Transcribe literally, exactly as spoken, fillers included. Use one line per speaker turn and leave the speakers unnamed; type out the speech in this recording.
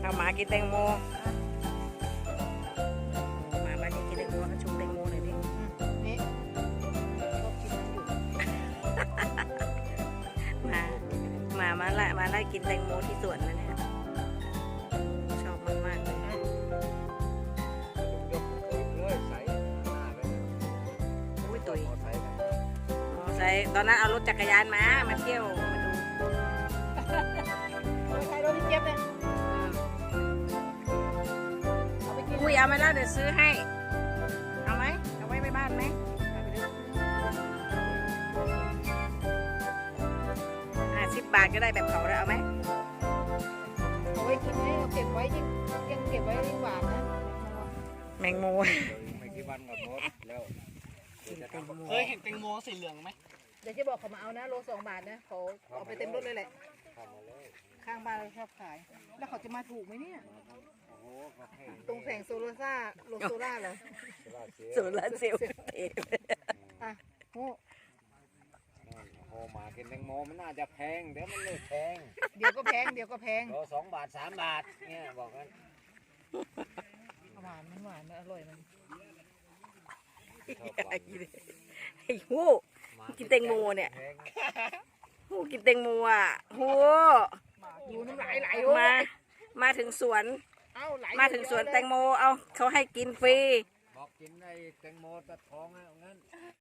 เอาหมากินแตงโมหมามานี่กินแตงโมนะชูแตงโมหน่อยดิ
นี่ชอบกินอยู่
มาหมามาไล่มาไล่กินแตงโมที่สวนนะเนี่ยชอบมากๆเลย
ยกเลยใส่หน้าไป
อุ้ยตุย
มอไซค์กัน
มอไซค์ตอนนั้นเอารถจักรยานมามาเที่ยวมาดู
ไม่ใช่รถพี่เจี๊ยบเลย
อืม
เอาไปกิน
อุ้ยเอาไหมล่ะเดี๋ยวซื้อให้เอาไหมเอาไว้ไปบ้านไหมห้าสิบบาทก็ได้แบบเขาแล้วเอาไหม
เอาไว้กินให้เราเก็บไว้ยิ่งยังเก็บไว้ยิ่งหวานนะ
แมงโม
เดี๋ยวไม่กี่วันก็หมดแล้วเดี๋ยวจะทำกับ
เคยเห็นแตงโมสีเหลืองไหม
เดี๋ยวจะบอกเขามาเอานะโลสองบาทนะเขาเอาไปเต็มรถเลยแหละ
ข้าวมาเลย
ข้างบ้านเราชอบขาย แล้วเขาจะมาถูกไหมเนี่ย
โอ้โหก็ให้
ตรงแสงโซลาร่าโลโซล่าเหรอ
เวลาเสีย
โซลาร์เซลล์เท
อ่ะโอ้
โอ้หมากินแตงโมมันน่าจะแพงเดี๋ยวมันเลยแพง
เดี๋ยวก็แพงเดี๋ยวก็แพง
โลสองบาทสามบาทเนี่ยบอกกัน
หวานมันหวานมันอร่อยมัน
ชอบ
ไอ้
ฟัง
ไอ้หู
หมา
กินแตงโมเนี่ย
แพง
หูกินแตงโมอ่ะหู
ดูน้ำลายไหล
มา มาถึงสวน
เอ้าไหล
มาถึงสวนแตงโมเอาเขาให้กินฟรี
บอกกินไอ้แตงโมตะท้องอ่ะงั้น